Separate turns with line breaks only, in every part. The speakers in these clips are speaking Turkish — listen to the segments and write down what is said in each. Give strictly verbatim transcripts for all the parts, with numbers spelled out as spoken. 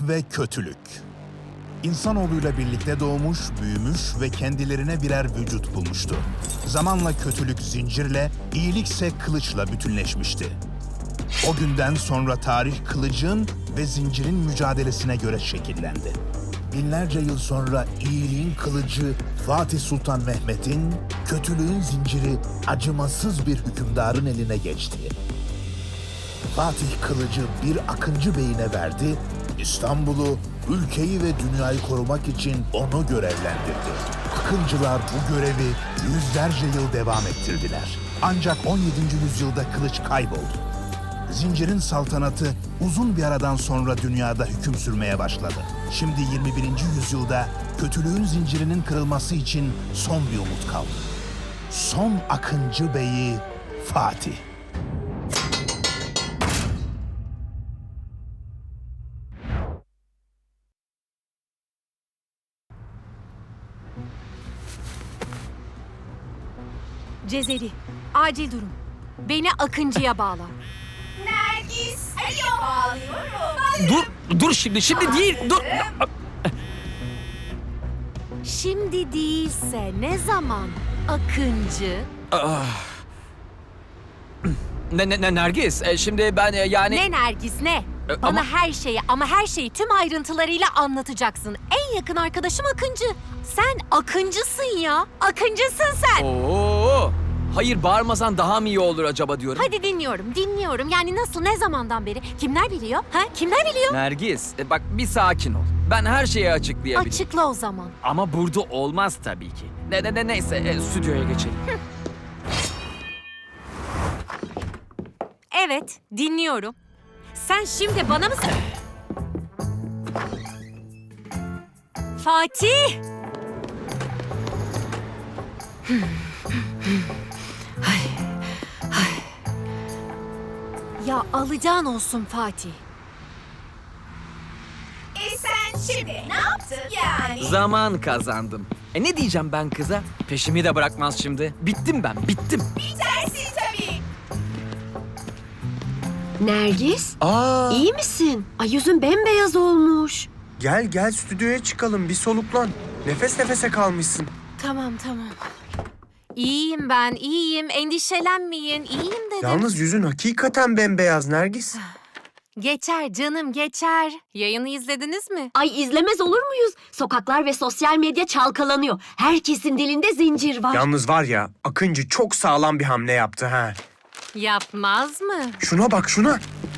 ve kötülük. İnsanoğluyla birlikte doğmuş, büyümüş ve kendilerine birer vücut bulmuştu. Zamanla kötülük zincirle, iyilikse kılıçla bütünleşmişti. O günden sonra tarih kılıcın ve zincirin mücadelesine göre şekillendi. Binlerce yıl sonra iyiliğin kılıcı Fatih Sultan Mehmet'in, kötülüğün zinciri acımasız bir hükümdarın eline geçti. Fatih kılıcı bir Akıncı Bey'ine verdi, İstanbul'u, ülkeyi ve dünyayı korumak için onu görevlendirdi. Akıncılar bu görevi yüzlerce yıl devam ettirdiler. Ancak on yedinci yüzyılda kılıç kayboldu. Zincirin saltanatı uzun bir aradan sonra dünyada hüküm sürmeye başladı. Şimdi yirmi birinci yüzyılda kötülüğün zincirinin kırılması için son bir umut kaldı. Son Akıncı Bey'i Fatih.
Cezeri, acil durum. Beni Akıncı'ya bağla.
Nergis, alo bağlıyorum.
Dur, dur şimdi, şimdi değil, dur.
Şimdi değilse ne zaman Akıncı?
Ne, ne, ne Nergis, e, şimdi ben e, yani...
Ne Nergis ne?
E,
Bana
ama-
her şeyi ama her şeyi tüm ayrıntılarıyla anlatacaksın. En yakın arkadaşım Akıncı. Sen Akıncısın ya. Akıncısın sen.
Oo, hayır bağırmasan daha mı iyi olur acaba diyorum.
Hadi dinliyorum, dinliyorum. Yani nasıl, ne zamandan beri? Kimler biliyor? Ha? Kimler biliyor?
Nergis, e, bak bir sakin ol. Ben her şeyi açıklayabilirim.
Açıkla o zaman.
Ama burada olmaz tabii ki. Ne ne ne neyse, e, stüdyoya geçelim.
Evet, dinliyorum. Sen şimdi bana mı... Fatih! Ay, ay. Ya alacağın olsun Fatih.
E sen şimdi ne yaptın yani?
Zaman kazandım. E ne diyeceğim ben kıza? Peşimi de bırakmaz şimdi. Bittim ben, bittim.
Bitersin tabii.
Nergis,
Aa.
iyi misin? Ay yüzün bembeyaz olmuş.
Gel gel stüdyoya çıkalım, bir soluklan. Nefes nefese kalmışsın.
Tamam, tamam. İyiyim ben, iyiyim. Endişelenmeyin. İyiyim dedim.
Yalnız yüzün hakikaten bembeyaz Nergis.
Geçer canım, geçer. Yayını izlediniz mi?
Ay izlemez olur muyuz? Sokaklar ve sosyal medya çalkalanıyor. Herkesin dilinde zincir var.
Yalnız var ya, Akıncı çok sağlam bir hamle yaptı ha.
Yapmaz mı?
Şuna bak şuna.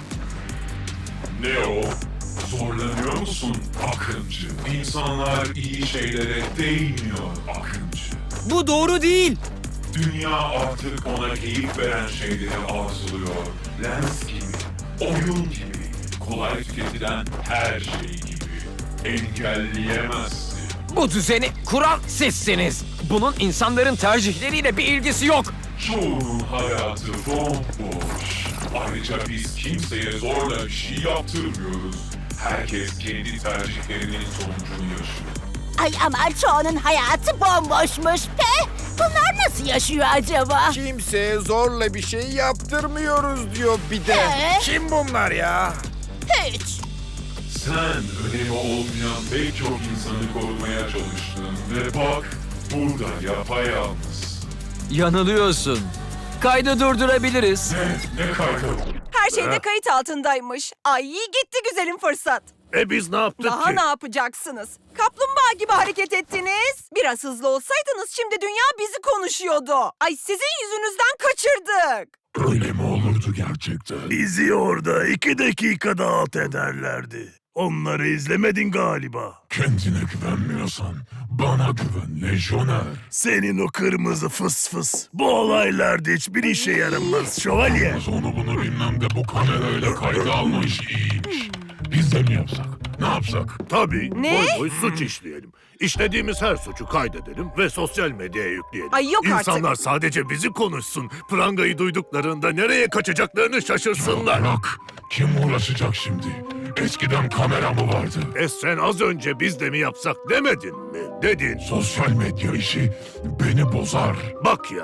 Ne o? Zorlanıyor musun Akıncı? İnsanlar iyi şeylere değmiyor Akıncı.
Bu doğru değil.
Dünya artık ona keyif veren şeyleri arzuluyor. Lens gibi, oyun gibi, kolay tüketilen her şey gibi. Engelleyemezsin.
Bu düzeni kuran sizsiniz. Bunun insanların tercihleriyle bir ilgisi yok.
Çoğunun hayatı bomboş. Ayrıca biz kimseye zorla bir şey yaptırmıyoruz. Herkes kendi tercihlerinin sonucunu yaşıyor.
Ay ama çoğunun hayatı bomboşmuş pe. Bunlar nasıl yaşıyor acaba?
Kimseye zorla bir şey yaptırmıyoruz diyor bir de.
Ee?
Kim bunlar ya?
Hiç.
Sen önemi olmayan pek çok insanı korumaya çalıştın ve bak burada yapayalnız.
Yanılıyorsun. Kaydı durdurabiliriz.
Ne, ne kaydı?
Her şeyde kayıt altındaymış. Ay gitti güzelim fırsat.
E biz ne yaptık
Daha ne yapacaksınız? Kaplumbağa gibi hareket ettiniz. Biraz hızlı olsaydınız şimdi dünya bizi konuşuyordu. Ay sizin yüzünüzden kaçırdık.
Öyle mi olurdu gerçekten?
Bizi orada iki dakikada alt ederlerdi. Onları izlemedin galiba.
Kendine güvenmiyorsan bana güven lejyoner.
Senin o kırmızı fıs fıs. Bu olaylarda hiçbir işe yaramaz şövalye.
Yalnız onu bunu bilmem de bu kamerayla kayda alma işi iyiymiş. Biz de mi yapsak? Ne yapsak?
Tabii.
Ne?
Boy boy suç işleyelim. İşlediğimiz her suçu kaydedelim ve sosyal medyaya yükleyelim.
Ay yok artık.
İnsanlar sadece bizi konuşsun. Prangayı duyduklarında nereye kaçacaklarını şaşırsınlar.
Bırak. Kim uğraşacak şimdi? Eskiden kamera mı vardı?
E sen az önce biz de mi yapsak demedin mi? Dedin.
Sosyal medya işi beni bozar.
Bak ya,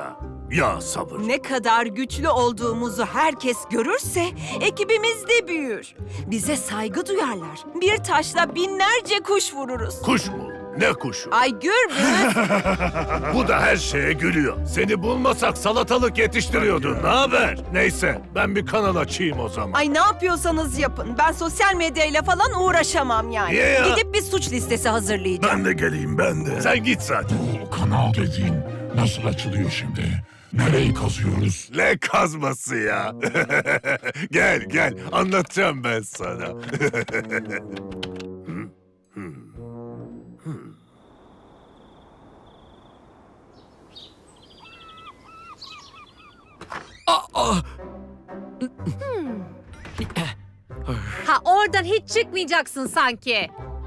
Ya sabır.
Ne kadar güçlü olduğumuzu herkes görürse ekibimiz de büyür. Bize saygı duyarlar. Bir taşla binlerce kuş vururuz.
Kuş mu? Ne kuşu?
Ay Gürbüz,
Bu da her şeye gülüyor. Seni bulmasak salatalık yetiştiriyordun. Ne haber? Neyse ben bir kanal açayım o zaman.
ay ne yapıyorsanız yapın. Ben sosyal medyayla falan uğraşamam yani.
Niye ya?
Gidip bir suç listesi hazırlayacağım.
Ben de geleyim ben de. Sen git zaten.
Bu kanal dediğin nasıl açılıyor şimdi? Nereyi kazıyoruz?
Ne kazması ya? Gel gel anlatacağım ben sana.
Ha oradan hiç çıkmayacaksın sanki.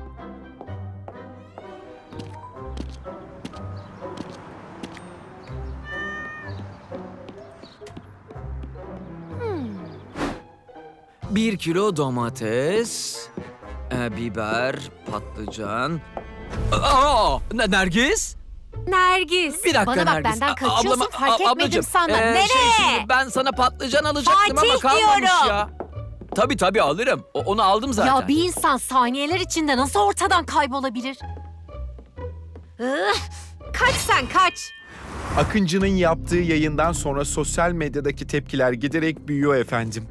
Bir kilo domates, e, biber, patlıcan. Aa, Ne- Nergis?
Nergis.
Bir dakika
Bana bak
Nergis.
benden
A-
kaçıyorsun
ablama-
fark
a-
etmedim
ablacığım,
sanma.
e,
Nereye?
şey, şimdi ben sana patlıcan alacaktım ama
Fatih
kalmamış
diyorum.
ya. Tabii tabii alırım. O- onu aldım zaten.
Ya bir insan saniyeler içinde nasıl ortadan kaybolabilir? Ih, kaç sen kaç.
Akıncı'nın yaptığı yayından sonra sosyal medyadaki tepkiler giderek büyüyor efendim.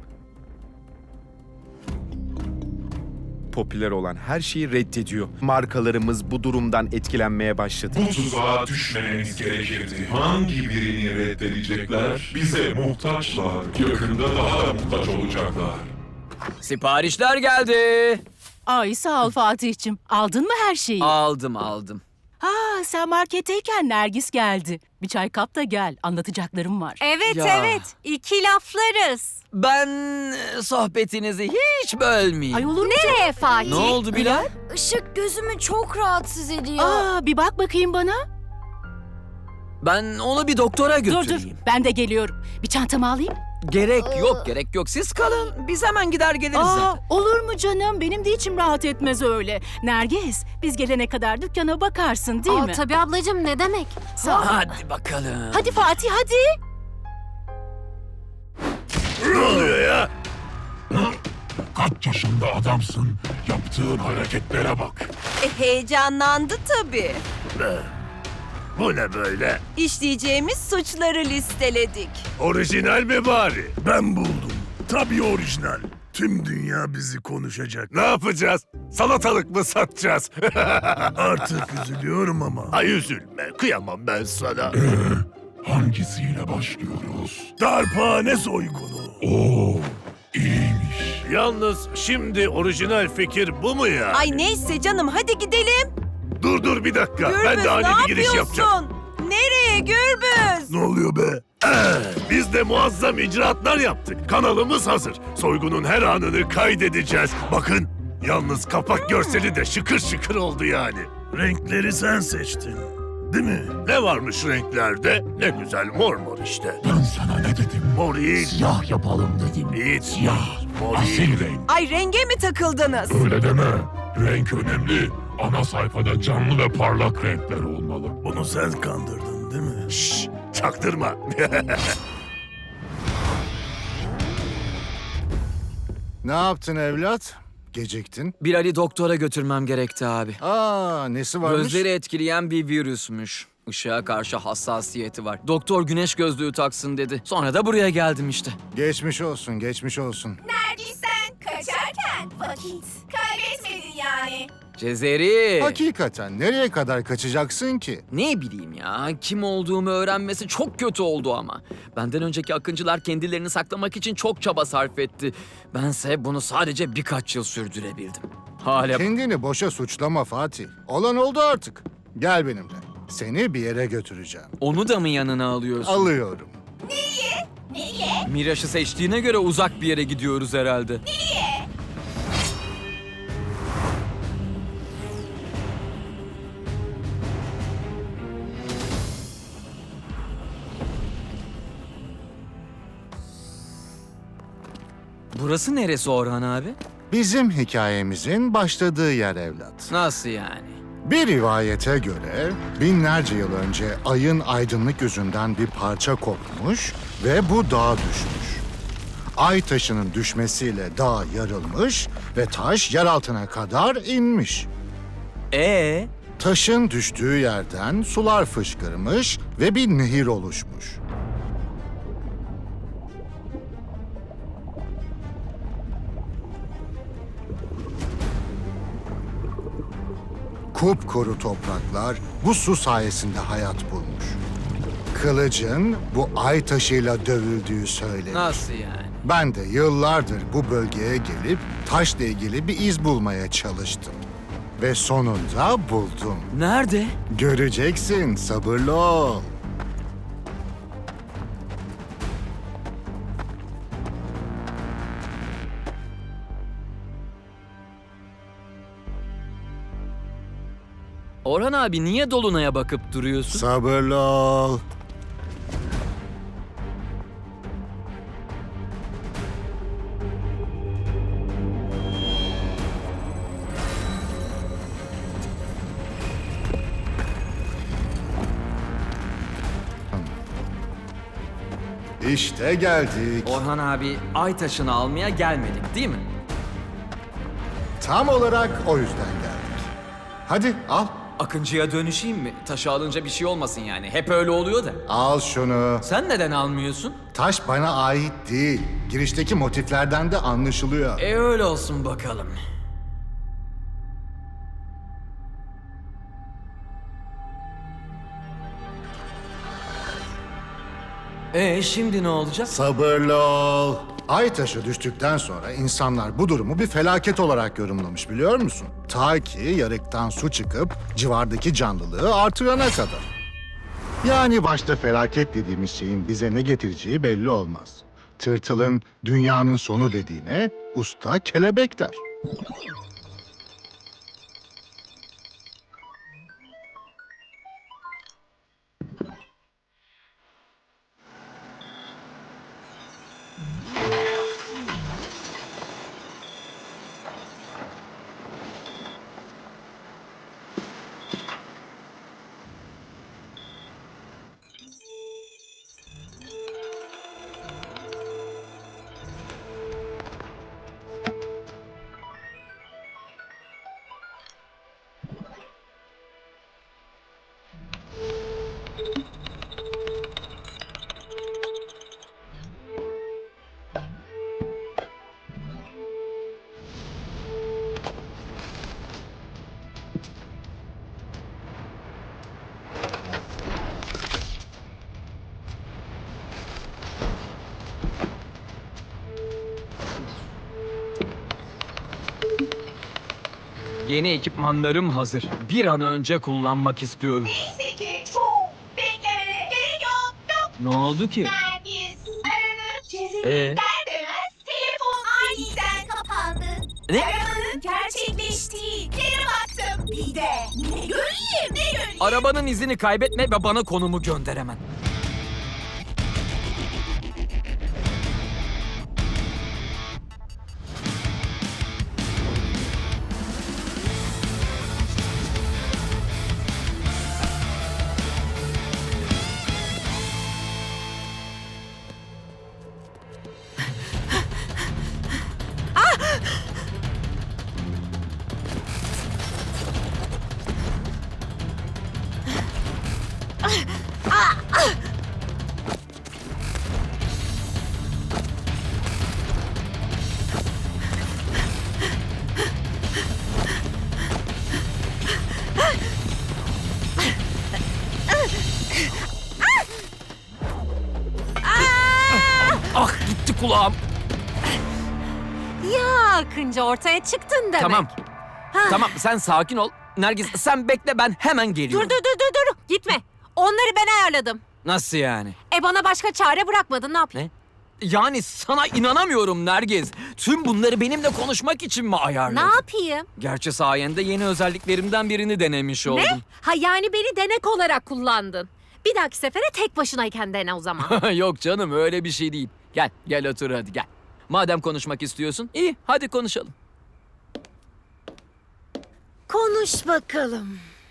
Popüler olan her şeyi reddediyor. Markalarımız bu durumdan etkilenmeye başladı.
Bu tuzağa düşmememiz gerekirdi. Hangi birini reddedecekler? Bize muhtaçlar. Yakında daha da muhtaç olacaklar.
Siparişler geldi.
Ay sağ ol Fatih'cim. Aldın mı her şeyi?
Aldım aldım.
Ha sen marketteyken Nergis geldi. Bir çay kap da gel. Anlatacaklarım var.
Evet
Ya.
evet. İki laflarız.
Ben e, sohbetinizi hiç bölmeyeyim.
Ay olur mu?
Nereye Fatih?
Ne oldu Bilal?
Işık gözümü çok rahatsız ediyor.
Aa bir bak bakayım bana.
Ben onu bir doktora
Dur
götüreyim.
dur ben de geliyorum. Bir çantamı alayım.
Gerek yok, gerek yok. Siz kalın. Biz hemen gider geliriz
Aa,
zaten.
olur mu canım? Benim de içim rahat etmez öyle. Nergis biz gelene kadar dükkana bakarsın değil
Aa,
mi?
tabii ablacığım ne demek?
Sağ ol.
Hadi bakalım.
Hadi Fatih hadi.
Ne oluyor ya?
Kaç yaşında adamsın? Yaptığın hareketlere bak.
E, heyecanlandı tabii.
Bu ne böyle?
İşleyeceğimiz suçları listeledik.
Orijinal mi bari? Ben buldum. Tabii orijinal. Tüm dünya bizi konuşacak. Ne yapacağız? Salatalık mı satacağız? Artık üzülüyorum ama. Ay üzülme. Kıyamam ben sana.
Hangisiyle başlıyoruz?
Darphane soygunu.
Oo, iyiymiş.
Yalnız şimdi orijinal fikir bu mu ya?
Ay neyse canım hadi gidelim.
Dur dur bir dakika.
Gürbüz
ben de ani
ne
bir giriş
yapıyorsun?
yapacağım.
Nereye Gürbüz?
Ne oluyor be? Ee, biz de muazzam icraatlar yaptık. Kanalımız hazır. Soygunun her anını kaydedeceğiz. Bakın, yalnız kapak görseli de şıkır şıkır oldu yani. Renkleri sen seçtin, değil mi? Ne varmış renklerde? Ne güzel mor mor işte.
Ben sana ne dedim?
Mor iyi.
Siyah yapalım dedim.
Hiç.
Siyah.
Mor iyi.
Asil renk.
Ay renge mi takıldınız?
Öyle deme. Renk önemli. Ana sayfada canlı ve parlak renkler olmalı.
Bunu sen kandırdın değil mi? Şşş, çaktırma.
Ne yaptın evlat? Geciktin.
Bilal'i doktora götürmem gerekti abi.
Aa, nesi varmış?
Gözleri etkileyen bir virüsmüş. Işığa karşı hassasiyeti var. Doktor güneş gözlüğü taksın dedi. Sonra da buraya geldim işte.
Geçmiş olsun, geçmiş olsun.
Nergis sen kaçarken vakit kaybetmedin yani.
Cezeri.
Hakikaten nereye kadar kaçacaksın ki?
Ne bileyim ya, kim olduğumu öğrenmesi çok kötü oldu ama. Benden önceki akıncılar kendilerini saklamak için çok çaba sarf etti. Bense bunu sadece birkaç yıl sürdürebildim. Hala...
Kendini boşa suçlama Fatih. Olan oldu artık. Gel benimle. Seni bir yere götüreceğim.
Onu da mı yanına alıyorsun?
Alıyorum.
Nereye? Nereye?
Miraş'ı seçtiğine göre uzak bir yere gidiyoruz herhalde.
Nereye?
Burası neresi Orhan abi?
Bizim hikayemizin başladığı yer evlat.
Nasıl yani?
Bir rivayete göre binlerce yıl önce ayın aydınlık yüzünden bir parça kopmuş ve bu dağa düşmüş. Ay taşının düşmesiyle dağ yarılmış ve taş yer altına kadar inmiş.
Ee?
Taşın düştüğü yerden sular fışkırmış ve bir nehir oluşmuş. Kupkuru topraklar bu su sayesinde hayat bulmuş. Kılıcın bu ay taşıyla dövüldüğü söylenir.
Nasıl yani?
Ben de yıllardır bu bölgeye gelip taşla ilgili bir iz bulmaya çalıştım. Ve sonunda buldum.
Nerede?
Göreceksin, sabırlı ol.
Orhan abi niye Dolunay'a bakıp duruyorsun?
Sabırlı ol. İşte geldik.
Orhan abi ay taşını almaya gelmedik değil mi?
Tam olarak o yüzden geldik. Hadi al.
Akıncı'ya dönüşeyim mi? Taşı alınca bir şey olmasın yani. Hep öyle oluyor da.
Al şunu.
Sen neden almıyorsun?
Taş bana ait değil. Girişteki motiflerden de anlaşılıyor.
E öyle olsun bakalım. E şimdi ne olacak?
Sabırlı ol. Ay taşı düştükten sonra insanlar bu durumu bir felaket olarak yorumlamış biliyor musun? Ta ki yarıktan su çıkıp civardaki canlılığı artırana kadar. Yani başta felaket dediğimiz şeyin bize ne getireceği belli olmaz. Tırtılın dünyanın sonu dediğine usta kelebek der.
Yeni ekipmanlarım hazır. Bir an önce kullanmak istiyorum.
Neyse ki çok beklemene gerek yok. Yok.
Ne oldu ki?
Nergis aranıp çizildi
Ee?
der demez telefon aniden kapandı.
Ne?
Aramanın gerçekleştiği yere baktım. Bir de ne göreyim ne göreyim.
Arabanın izini kaybetme ve bana konumu gönder hemen. Ah gitti kulağım.
Ya Akıncı ortaya çıktın demek.
Tamam.
Ha.
Tamam sen sakin ol. Nergis sen bekle ben hemen
Dur
geliyorum.
dur dur dur dur. Gitme. Onları ben ayarladım.
Nasıl yani?
E bana başka çare bırakmadın ne yapayım?
Ne? Yani sana inanamıyorum Nergis. Tüm bunları benimle konuşmak için mi ayarladın?
Ne yapayım?
Gerçi sayende yeni özelliklerimden birini denemiş oldum.
Ne? Ha yani beni denek olarak kullandın. Bir dahaki sefere tek başınayken dene o zaman.
Yok canım öyle bir şey değil. Gel gel otur hadi gel. Madem konuşmak istiyorsun iyi hadi konuşalım.
Konuş bakalım.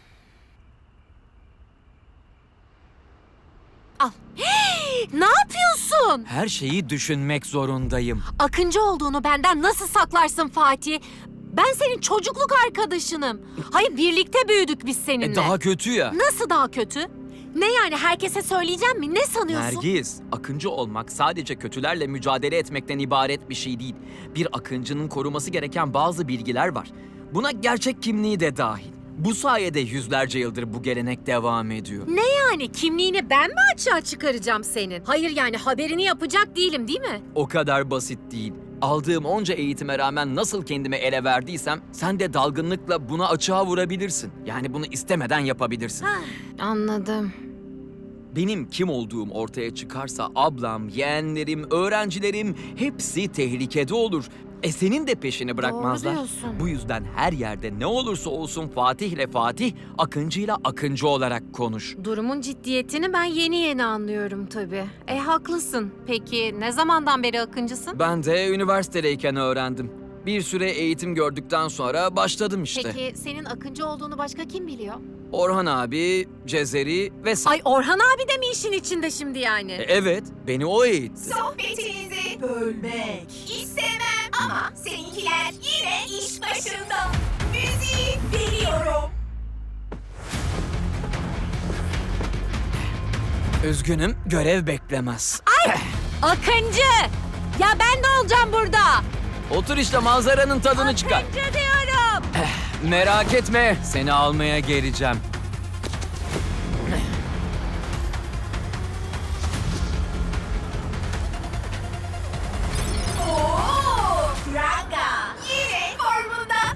Al. Ne yapıyorsun?
Her şeyi düşünmek zorundayım.
Akıncı olduğunu benden nasıl saklarsın Fatih? Ben senin çocukluk arkadaşınım. Hayır, birlikte büyüdük biz seninle.
E, daha kötü ya.
Nasıl daha kötü? Ne yani, herkese söyleyeceğim mi? Ne sanıyorsun?
Nergis, akıncı olmak sadece kötülerle mücadele etmekten ibaret bir şey değil. Bir akıncının koruması gereken bazı bilgiler var. Buna gerçek kimliği de dahil. Bu sayede yüzlerce yıldır bu gelenek devam ediyor.
Ne yani, kimliğini ben mi açığa çıkaracağım senin? Hayır yani, haberini yapacak değilim değil mi?
O kadar basit değil. Aldığım onca eğitime rağmen nasıl kendime ele verdiysem sen de dalgınlıkla buna açığa vurabilirsin. Yani bunu istemeden yapabilirsin.
Anladım.
Benim kim olduğum ortaya çıkarsa ablam, yeğenlerim, öğrencilerim hepsi tehlikede olur. E senin de peşini bırakmazlar.
Doğru diyorsun.
Bu yüzden her yerde ne olursa olsun Fatih ile Fatih, Akıncı'yla Akıncı olarak konuş.
Durumun ciddiyetini ben yeni yeni anlıyorum tabii. E haklısın. Peki ne zamandan beri akıncısın?
Ben de üniversitedeyken öğrendim. Bir süre eğitim gördükten sonra başladım işte.
Peki senin akıncı olduğunu başka kim biliyor?
Orhan abi, Cezeri ve sen.
Ay, Orhan abi de mi işin içinde şimdi yani?
E, evet, beni o eğitti.
Sohbetinizi bölmek istemem ama seninkiler yine iş başında. Müziği veriyorum.
Üzgünüm, görev beklemez.
Ay! Akıncı! Ya ben ne olacağım burada?
Otur işte, manzaranın tadını çıkar.
Akıncı diyorum!
Merak etme, seni almaya geleceğim.
Oo, Ranga yine formunda.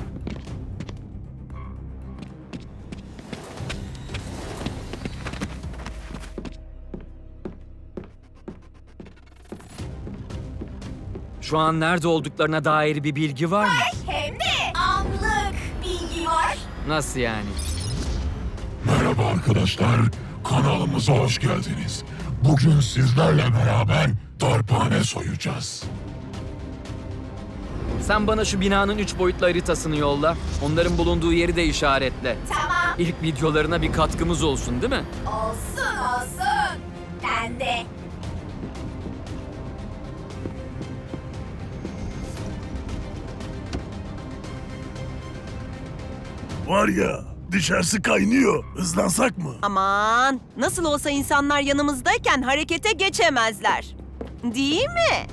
Şu an nerede olduklarına dair bir bilgi var mı?
Hem de anlık bilgi var.
Nasıl yani?
Merhaba arkadaşlar, kanalımıza hoş geldiniz. Bugün sizlerle beraber darphane soyacağız.
Sen bana şu binanın üç boyutlu haritasını yolla. Onların bulunduğu yeri de işaretle.
Tamam.
İlk videolarına bir katkımız olsun, değil mi?
Olsun olsun. Ben de.
Var ya, dışarısı kaynıyor. Hızlansak mı?
Aman, nasıl olsa insanlar yanımızdayken harekete geçemezler. Değil mi?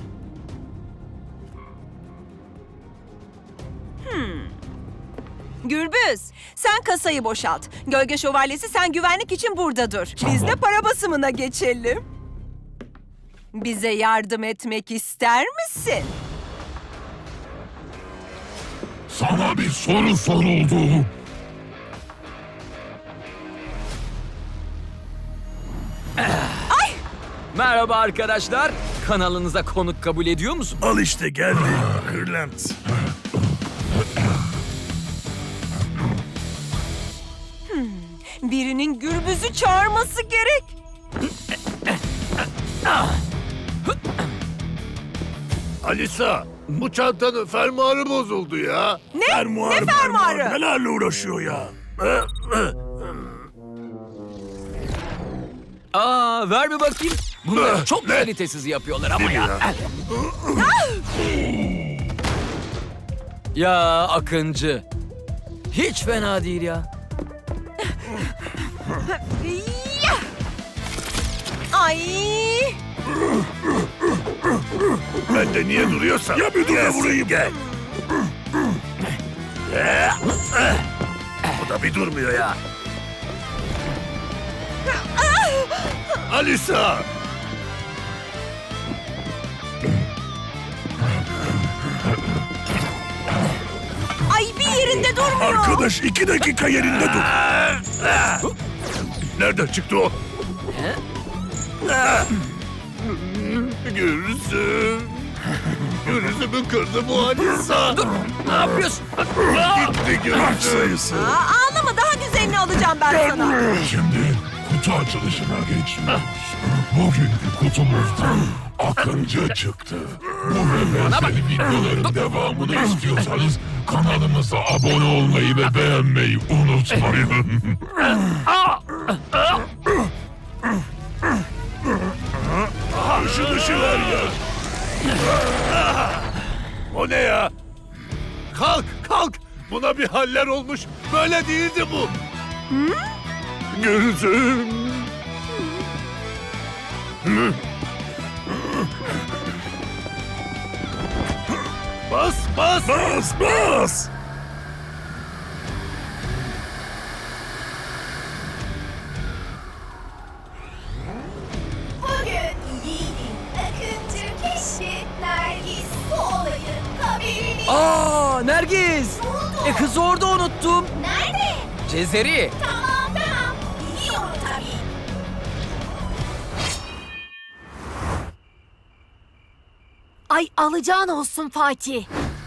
Hmm. Gürbüz, sen kasayı boşalt. Gölge Şövalyesi, sen güvenlik için burada dur. Biz de para basımına geçelim. Bize yardım etmek ister misin?
Sana bir soru soruldu.
Merhaba arkadaşlar. Kanalınıza konuk kabul ediyor musun?
Al işte geldi. Kırlent.
Birinin Gürbüz'ü çağırması gerek.
Alisa, bu çantanın fermuarı bozuldu ya.
Ne?
Fermuar,
Ne fermuarı?
Nelerle uğraşıyor ya?
Aa, ver bir bakayım. Bunları çok kalitesiz yapıyorlar ama ya. Ya Akıncı. Hiç fena değil ya.
Ay!
Ben de niye duruyorsam. Ya bir dur da vurayım. Gel. Bu da bir durmuyor ya. Alisa!
Ay, bir yerinde durmuyor.
Arkadaş iki dakika yerinde dur. Nereden çıktı o? Gürsüm. Gürsüm'ü kırdı bu Alisa.
Dur, ne yapıyorsun?
Gitti Gürsüm.
Aa, ağlama, daha güzelini alacağım ben sana.
Şimdi kutu açılışına geçiyoruz. Bugünkü kutumuzdan Akıncı çıktı. Bu ve benzeri videoların devamını istiyorsanız kanalımıza abone olmayı ve beğenmeyi unutmayın.
şunu şıver ya. O ne ya? Kalk, kalk. Buna bir haller olmuş. Böyle değildi bu. Gözüm. Bas, bas. Bas, bas.
Bugün yiğidin akıncı keşfi Nergis bu olayın haberini...
Aa, Nergis!
Buldu.
E kızı orada unuttum.
Nerede?
Cezeri.
Tamam tamam. Biliyorum tabii.
Ay alacağın olsun Fatih.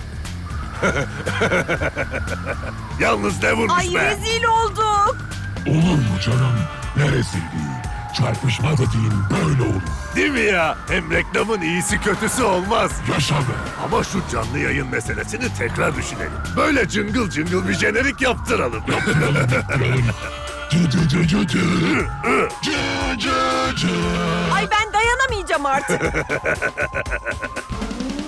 Yalnız ne vurmuş
Ay
be?
rezil olduk.
Olur mu canım? Neresi değil? Çarpışma dediğin böyle olur.
Değil mi ya? Hem reklamın iyisi kötüsü olmaz.
Yaşa be.
Ama şu canlı yayın meselesini tekrar düşünelim. Böyle cıngıl cıngıl bir jenerik yaptıralım.
Cı cı cı cı cı. Cı cı cı.
Ay ben dayanamayacağım artık.